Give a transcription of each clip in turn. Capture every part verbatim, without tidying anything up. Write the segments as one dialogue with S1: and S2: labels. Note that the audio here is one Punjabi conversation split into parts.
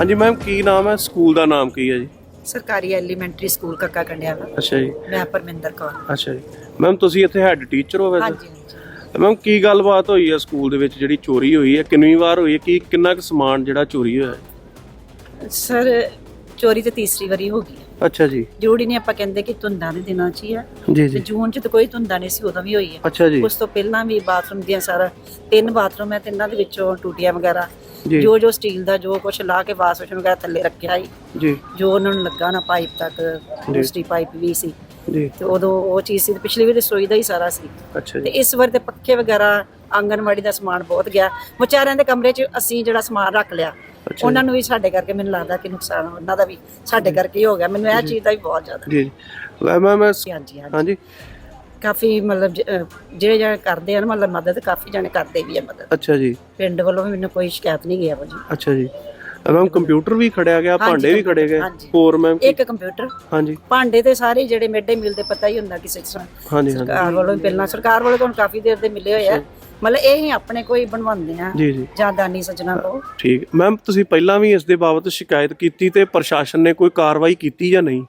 S1: हाँ जी मैम, की नाम है स्कूल का नाम की है जी?
S2: ਸਰਕਾਰੀ ਐਲੀਮੈਂਟਰੀ ਸਕੂਲ ਕੱਕਾ ਕੰਡਿਆਲਾ।
S1: अच्छा जी।
S2: ਮੈਂ ਪਰਮਿੰਦਰ ਕੌਰ।
S1: अच्छा जी मैम, ਤੁਸੀਂ ਇੱਥੇ ਹੈਡ ਟੀਚਰ ਹੋ ਵੈਸੇ?
S2: ਹਾਂਜੀ ਹਾਂਜੀ।
S1: ਮੈਮ ਕੀ ਗੱਲਬਾਤ ਹੋਈ ਹੈ ਸਕੂਲ ਦੇ ਵਿੱਚ ਜਿਹੜੀ ਚੋਰੀ ਹੋਈ ਹੈ, ਕਿੰਨੀ ਵਾਰ ਹੋਈ ਹੈ, ਕੀ ਕਿੰਨਾ ਕੁ ਸਮਾਨ ਜਿਹੜਾ ਚੋਰੀ ਹੋਇਆ ਹੈ?
S2: ਸਰ ਚੋਰੀ ਤੇ ਤੀਸਰੀ ਵਾਰੀ ਹੋ ਗਈ ਹੈ।
S1: ਅੱਛਾ ਜੀ।
S2: ਜ਼ਰੂਰੀ ਨਹੀਂ ਆਪਾਂ ਕਹਿੰਦੇ ਕਿ ਧੁੰਦਾਂ ਦੇ ਦਿਨਾਂ 'ਚ ਹੀ ਆ,
S1: ਜੀ
S2: ਤੇ
S1: ਜੀ।
S2: ਜੂਨ 'ਚ ਤਾਂ ਕੋਈ ਧੁੰਦਾਂ ਨਹੀਂ ਸੀ, ਉਦੋਂ ਵੀ ਹੋਈ ਹੈ।
S1: ਅੱਛਾ ਜੀ।
S2: ਉਸ ਤੋਂ ਪਹਿਲਾਂ ਵੀ ਬਾਥਰੂਮ ਦੀਆਂ ਸਾਰਾ ਤਿੰਨ ਬਾਥਰੂਮ ਹੈ, ਤਿੰਨਾਂ ਦੇ ਵਿੱਚੋਂ ਟੂਟੀਆਂ ਵਗੈਰਾ
S1: ਜੀ
S2: ਜੋ ਜੋ ਸਟੀਲ ਦਾ ਜੋ ਕੁਝ ਲਾ ਕੇ ਵਾਸ਼ ਵੇਸ਼ਨ ਵਗੈਰਾ ਥੱਲੇ ਰੱਖਿਆ ਸੀ,
S1: ਜੀ
S2: ਜੋ ਉਹਨਾਂ ਨੂੰ ਲੱਗਾ ਨਾ ਪਾਈਪ ਤੱਕ ਦੂਸਰੀ ਪਾਈਪ ਵੀ ਸੀ,
S1: ਜੀ।
S2: ਤੇ ਉਦੋਂ ਉਹ ਚੀਜ਼ ਸੀ। ਪਿਛਲੀ ਵਾਰੀ ਰਸੋਈ ਦਾ ਹੀ ਸਾਰਾ ਸੀ,
S1: ਅੱਛਾ
S2: ਤੇ
S1: ਜੀ।
S2: ਇਸ ਵਾਰ ਤੇ ਪੱਖੇ ਵਗੈਰਾ ਆਂਗਨਵਾੜੀ ਦਾ ਸਮਾਨ ਬਹੁਤ ਗਿਆ। ਵਿਚਾਰਿਆਂ ਦੇ ਕਮਰੇ 'ਚ ਅਸੀਂ ਜਿਹੜਾ ਸਮਾਨ ਰੱਖ ਲਿਆ,
S1: ਅੱਛਾ
S2: ਉਹਨਾਂ ਨੂੰ ਵੀ ਸਾਡੇ ਕਰਕੇ ਮੈਨੂੰ ਲੱਗਦਾ ਕਿ ਨੁਕਸਾਨ ਉਹਨਾਂ ਦਾ ਵੀ ਸਾਡੇ ਕਰਕੇ ਹੀ ਹੋ ਗਿਆ। ਮੈਨੂੰ ਇਹ ਚੀਜ਼ ਦਾ ਵੀ ਬਹੁਤ ਜ਼ਿਆਦਾ।
S1: ਜੀ ਮੈਮ ਮੈਂ
S2: ਹਾਂਜੀ ਹਾਂਜੀ
S1: ਹਾਂਜੀ
S2: ਕਾਫੀ ਮਤਲਬ ਜ- ਅਹ ਜਿਹੜੇ ਜਿਹੜੇ ਕਰਦੇ ਆ ਨਾ ਮਤਲਬ ਮਦਦ, ਕਾਫੀ ਜਣੇ ਕਰਦੇ ਵੀ ਆ ਮਦਦ।
S1: ਅੱਛਾ ਜੀ।
S2: ਪਿੰਡ ਵੱਲੋਂ ਵੀ ਮੈਨੂੰ ਕੋਈ ਸ਼ਿਕਾਇਤ ਨਹੀਂ ਗਿਆ ਭਾਜੀ।
S1: ਅੱਛਾ ਜੀ ਮੈਮ, ਕੰਪਿਊਟਰ ਵੀ ਖੜਿਆ ਗਿਆ,
S2: ਹਾਂਜੀ,
S1: ਭਾਂਡੇ ਵੀ ਖੜੇ ਗਏ,
S2: ਹਾਂਜੀ।
S1: ਹੋਰ ਮੈਮ?
S2: ਇੱਕ ਕੰਪਿਊਟਰ,
S1: ਹਾਂਜੀ
S2: ਭਾਂਡੇ ਤੇ ਸਾਰੇ ਜਿਹੜੇ ਮਿਡ ਮੀਲ ਦੇ ਪਤਾ ਹੀ ਹੁੰਦਾ ਕਿਸੇ ਤਰ੍ਹਾਂ
S1: ਹਾਂਜੀ ਹਾਂਜੀ।
S2: ਸਰਕਾਰ ਵੱਲੋਂ ਵੀ ਪਹਿਲਾਂ ਸਰਕਾਰ ਵੱਲੋਂ ਤੁਹਾਨੂੰ ਕਾਫੀ ਦੇਰ ਦੇ ਮਿਲੇ ਹੋਏ ਆ, ਮਤਲਬ ਇਹ ਹੀ ਆਪਣੇ ਕੋਈ ਬਣਵਾਉਂਦੇ ਆ
S1: ਜੀ ਜੀ
S2: ਜਾਂ ਦਾਨੀ ਸੱਜਣਾ ਕੋ।
S1: ਠੀਕ। ਮੈਮ ਤੁਸੀਂ ਪਹਿਲਾਂ ਵੀ ਇਸ ਦੇ ਬਾਬਤ ਸ਼ਿਕਾਇਤ ਕੀਤੀ ਤੇ ਪ੍ਰਸ਼ਾਸਨ ਨੇ ਕੋਈ ਕਾਰਵਾਈ ਕੀਤੀ ਜਾਂ ਨਹੀਂ?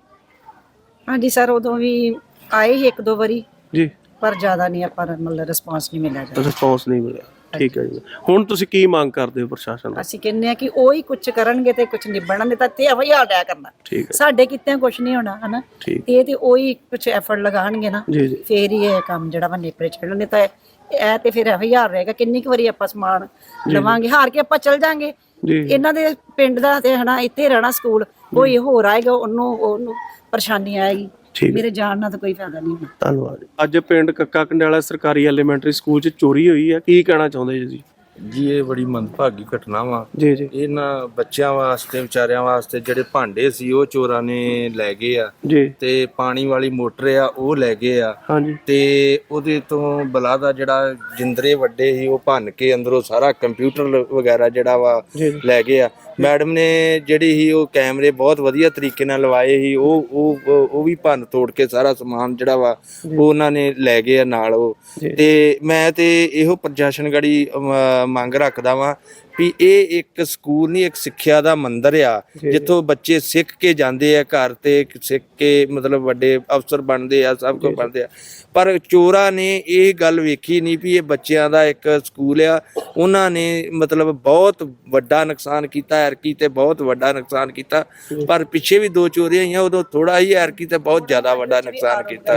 S2: ਹਾਂਜੀ ਸਰ, ਉਦੋਂ ਵੀ ਆਏ ਸੀ ਇੱਕ ਦੋ ਵਾਰੀ,
S1: ਜੀ।
S2: ਪਰ ਜ਼ਿਆਦਾ ਨਹੀਂ ਆਪਾਂ ਨੂੰ ਮਤਲਬ ਰਿਸਪਾਂਸ ਨਹੀਂ ਮਿਲਿਆ ਜਾਂਦਾ।
S1: ਰਿਸਪੌਂਸ ਨਹੀਂ ਮਿਲਿਆ। ਠੀਕ ਹੈ ਜੀ। ਹੁਣ ਤੁਸੀਂ ਕੀ ਮੰਗ ਕਰਦੇ ਹੋ ਪ੍ਰਸ਼ਾਸਨ ਤੋਂ?
S2: ਅਸੀਂ ਕਹਿੰਦੇ ਆ ਕਿ ਉਹ ਹੀ ਕੁਝ ਕਰਨਗੇ ਤੇ ਕੁਝ ਨਿਭਣਾ, ਨਹੀਂ ਤਾਂ ਤੇ ਹਵਾਈ ਹਾਲਿਆ ਕਰਨਾ।
S1: ਠੀਕ ਹੈ।
S2: ਸਾਡੇ ਕਿਤੇ ਕੁਝ ਨਹੀਂ ਹੋਣਾ ਹਨਾ,
S1: ਠੀਕ।
S2: ਇਹ ਤੇ ਉਹ ਹੀ ਕੁਝ ਐਫਰਟ ਲਗਾਉਣਗੇ ਨਾ,
S1: ਜੀ ਜੀ
S2: ਫੇਰ ਹੀ ਇਹ ਕੰਮ ਜਿਹੜਾ ਵਾ ਨੇਪਰੇ ਚੜ੍ਹਨ। ਨਹੀਂ ਤਾਂ ਇਹ ਤੇ ਫਿਰ ਇਹੋ ਹੀ ਹਾਲ ਰਹੇਗਾ। ਕਿੰਨੀ ਕੁ ਵਾਰੀ ਆਪਾਂ ਸਮਾਨ ਲਵਾਂਗੇ, ਹਾਰ ਕੇ ਆਪਾਂ ਚੱਲ ਜਾਾਂਗੇ।
S1: ਜੀ।
S2: ਇਹਨਾਂ ਦੇ ਪਿੰਡ ਦਾ ਤੇ ਹਨਾ ਇੱਥੇ ਰਹਿਣਾ ਸਕੂਲ, ਕੋਈ ਹੋਰ ਆਏਗਾ ਉਹਨੂੰ ਉਹਨੂੰ ਪਰੇਸ਼ਾਨੀ ਆਏਗੀ।
S1: ਠੀਕ।
S2: ਮੇਰੇ ਜਾਣ ਨਾਲ ਤਾਂ ਕੋਈ ਫਾਇਦਾ ਨਹੀਂ ਹੋਣਾ।
S1: ਧੰਨਵਾਦ। ਅੱਜ ਪਿੰਡ ਕੱਕਾ ਕੰਡਿਆਲਾ ਸਰਕਾਰੀ ਐਲੀਮੈਂਟਰੀ ਸਕੂਲ 'ਚ ਚੋਰੀ ਹੋਈ ਹੈ, ਕੀ ਕਹਿਣਾ ਚਾਹੁੰਦੇ ਜੀ?
S3: ਜੀ ਇਹ ਬੜੀ ਮੰਦਭਾਗੀ ਘਟਨਾ ਵਾ।
S1: ਜੀ ਜੀ
S3: ਇਹਨਾਂ ਬੱਚਿਆਂ ਵਾਸਤੇ, ਵਿਚਾਰਿਆਂ ਵਾਸਤੇ ਜਿਹੜੇ ਭਾਂਡੇ ਸੀ ਉਹ ਚੋਰਾਂ ਨੇ ਲੈ ਗਏ ਆ,
S1: ਜੀ।
S3: ਤੇ ਪਾਣੀ ਵਾਲੀ ਮੋਟਰ ਆ ਉਹ ਲੈ ਗਏ ਆ,
S1: ਹਾਂਜੀ।
S3: ਤੇ ਉਹਦੇ ਤੋਂ ਬਲਾ ਦਾ ਜਿਹੜਾ ਜਿੰਦਰੇ ਵੱਡੇ ਸੀ ਉਹ ਭੰਨ ਕੇ ਅੰਦਰੋਂ ਸਾਰਾ ਕੰਪਿਊਟਰ ਵਗੈਰਾ ਜਿਹੜਾ ਵਾ
S1: ਜੀ ਜੀ
S3: ਲੈ ਗਏ ਆ। ਮੈਡਮ ਨੇ ਜਿਹੜੀ ਸੀ ਉਹ ਕੈਮਰੇ ਬਹੁਤ ਵਧੀਆ ਤਰੀਕੇ ਨਾਲ ਲਵਾਏ ਸੀ, ਉਹ ਉਹ ਉਹ ਵੀ ਭੰਨ ਤੋੜ ਕੇ ਸਾਰਾ ਸਮਾਨ ਜਿਹੜਾ ਵਾ ਉਹ ਉਹਨਾਂ ਨੇ ਲੈ ਗਏ ਆ ਨਾਲ ਉਹ। ਤੇ ਮੈਂ ਤੇ ਇਹੋ ਪ੍ਰਸ਼ਾਸਨ ਗੜੀ ਮੰਗ ਰੱਖਦਾ ਵਾਂ ਵੀ ਇਹ ਇੱਕ ਸਕੂਲ ਨਹੀਂ, ਇੱਕ ਸਿੱਖਿਆ ਦਾ ਮੰਦਿਰ ਆ, ਜਿੱਥੋਂ ਬੱਚੇ ਸਿੱਖ ਕੇ ਜਾਂਦੇ ਆ, ਘਰ ਤੇ ਸਿੱਖ ਕੇ ਮਤਲਬ ਵੱਡੇ ਅਫਸਰ ਬਣਦੇ ਆ, ਸਭ ਕੁਝ ਬਣਦੇ ਆ। ਪਰ ਚੋਰਾਂ ਨੇ ਇਹ ਗੱਲ ਵੇਖੀ ਨਹੀਂ ਵੀ ਇਹ ਬੱਚਿਆਂ ਦਾ ਇੱਕ ਸਕੂਲ ਆ। ਉਹਨਾਂ ਨੇ ਮਤਲਬ ਬਹੁਤ ਵੱਡਾ ਨੁਕਸਾਨ ਕੀਤਾ, ਐਰਕੀ ਤੇ ਬਹੁਤ ਵੱਡਾ ਨੁਕਸਾਨ ਕੀਤਾ। ਪਰ ਪਿੱਛੇ ਵੀ ਦੋ ਚੋਰੀਆਂ ਆਈਆਂ, ਉਦੋਂ ਥੋੜਾ ਹੀ, ਐਰਕੀ ਤੇ ਬਹੁਤ ਜ਼ਿਆਦਾ ਵੱਡਾ ਨੁਕਸਾਨ ਕੀਤਾ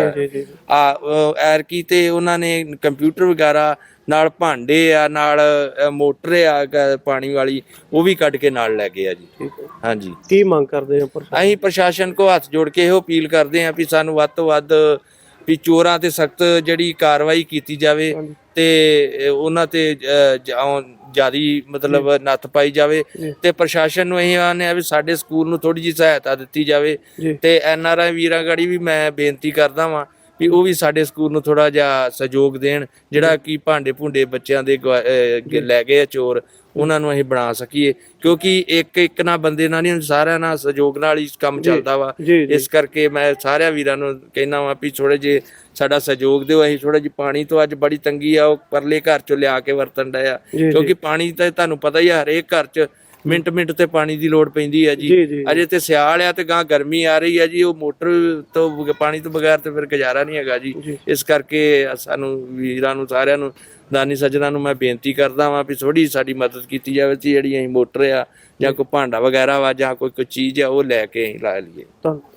S3: ਆ। ਐਰਕੀ ਤੇ ਉਹਨਾਂ ਨੇ ਕੰਪਿਊਟਰ ਵਗੈਰਾ ਨਾਲ, ਭਾਂਡੇ ਆ ਨਾਲ, ਮੋਟਰ ਆ ਪਾਣੀ ਵਾਲੀ ਉਹ ਵੀ ਕੱਢ ਕੇ ਨਾਲ ਲੈ ਗਏ ਆ ਜੀ। ਹਾਂਜੀ।
S1: ਕੀ ਮੰਗ ਕਰਦੇ ਹੋ?
S3: ਅਸੀਂ ਪ੍ਰਸ਼ਾਸਨ ਕੋ ਹੱਥ ਜੋੜ ਕੇ ਇਹੋ ਅਪੀਲ ਕਰਦੇ ਹਾਂ ਵੀ ਸਾਨੂੰ ਵੱਧ ਤੋਂ ਵੱਧ ਵੀ ਚੋਰਾਂ ਤੇ ਸਖਤ ਜਿਹੜੀ ਕਾਰਵਾਈ ਕੀਤੀ ਜਾਵੇ, ਤੇ ਉਹਨਾਂ ਤੇ ਜਿਆਦੀ ਮਤਲਬ ਨੱਥ ਪਾਈ ਜਾਵੇ, ਤੇ ਪ੍ਰਸ਼ਾਸਨ ਨੂੰ ਇਹ ਆਨੇ ਆ ਵੀ ਸਾਡੇ ਸਕੂਲ ਨੂੰ ਥੋੜੀ ਜਿਹੀ ਸਹਾਇਤਾ ਦਿੱਤੀ ਜਾਵੇ। ਤੇ ਐਨ ਆਰ ਆਈ ਵੀਰਾਂ ਗਾੜੀ ਵੀ ਮੈਂ ਬੇਨਤੀ ਕਰਦਾ ਵਾਂ ਵੀ ਉਹ ਵੀ ਸਾਡੇ ਸਕੂਲ ਨੂੰ ਥੋੜਾ ਜਿਹਾ ਸਹਿਯੋਗ ਦੇਣ, ਜਿਹੜਾ ਕਿ ਭਾਂਡੇ ਭੁੰਡੇ ਬੱਚਿਆਂ ਦੇ ਲੈ ਗਏ ਆ ਚੋਰ, ਉਹਨਾਂ ਨੂੰ ਅਸੀਂ ਬਣਾ ਸਕੀਏ। ਕਿਉਂਕਿ ਇੱਕ ਇੱਕ ਨਾ ਬੰਦੇ ਨਾਲ ਨਹੀਂ, ਸਾਰਿਆਂ ਨਾਲ ਸਹਿਯੋਗ ਨਾਲ ਹੀ ਕੰਮ ਚੱਲਦਾ ਵਾ। ਇਸ ਕਰਕੇ ਮੈਂ ਸਾਰਿਆਂ ਵੀਰਾਂ ਨੂੰ ਕਹਿਣਾ ਵਾ ਵੀ ਥੋੜੇ ਜਿਹੇ ਸਾਡਾ ਸਹਿਯੋਗ ਦਿਓ। ਅਸੀਂ ਥੋੜਾ ਜਿਹੀ ਪਾਣੀ ਤੋਂ ਅੱਜ ਬੜੀ ਤੰਗੀ ਆ, ਉਹ ਪਰਲੇ ਘਰ ਚੋਂ ਲਿਆ ਕੇ ਵਰਤਣ ਡਏ ਆ, ਕਿਉਂਕਿ ਪਾਣੀ ਤਾਂ ਤੁਹਾਨੂੰ ਪਤਾ ਹੀ ਆ ਹਰੇਕ ਘਰ ਚ ਮਿੰਟ ਮਿੰਟ ਤੇ ਪਾਣੀ ਦੀ ਲੋੜ ਪੈਂਦੀ ਹੈ ਜੀ। ਅਜੇ ਤੇ ਸਿਆਲ ਆ ਤੇ ਗਾਂ ਗਰਮੀ ਆ ਰਹੀ ਹੈ ਜੀ, ਉਹ ਮੋਟਰ ਤੋਂ ਪਾਣੀ ਤੋਂ ਬਗੈਰ ਤੇ ਫਿਰ ਗੁਜ਼ਾਰਾ ਨਹੀਂ ਹੈਗਾ ਜੀ। ਇਸ ਕਰਕੇ ਸਾਨੂੰ ਵੀਰਾਂ ਨੂੰ, ਸਾਰਿਆਂ ਨੂੰ, ਦਾਨੀ ਸੱਜਣਾ ਨੂੰ ਮੈਂ ਬੇਨਤੀ ਕਰਦਾ ਵਾਂ ਵੀ ਥੋੜੀ ਸਾਡੀ ਮਦਦ ਕੀਤੀ ਜਾਵੇ ਜੀ। ਜਿਹੜੀ ਅਸੀਂ ਮੋਟਰ ਆ ਜਾਂ ਕੋਈ ਭਾਂਡਾ ਵਗੈਰਾ ਵਾ ਜਾਂ ਕੋਈ ਕੋਈ ਚੀਜ਼ ਆ ਉਹ ਲੈ ਕੇ ਅਸੀਂ ਲਾ ਲਈਏ।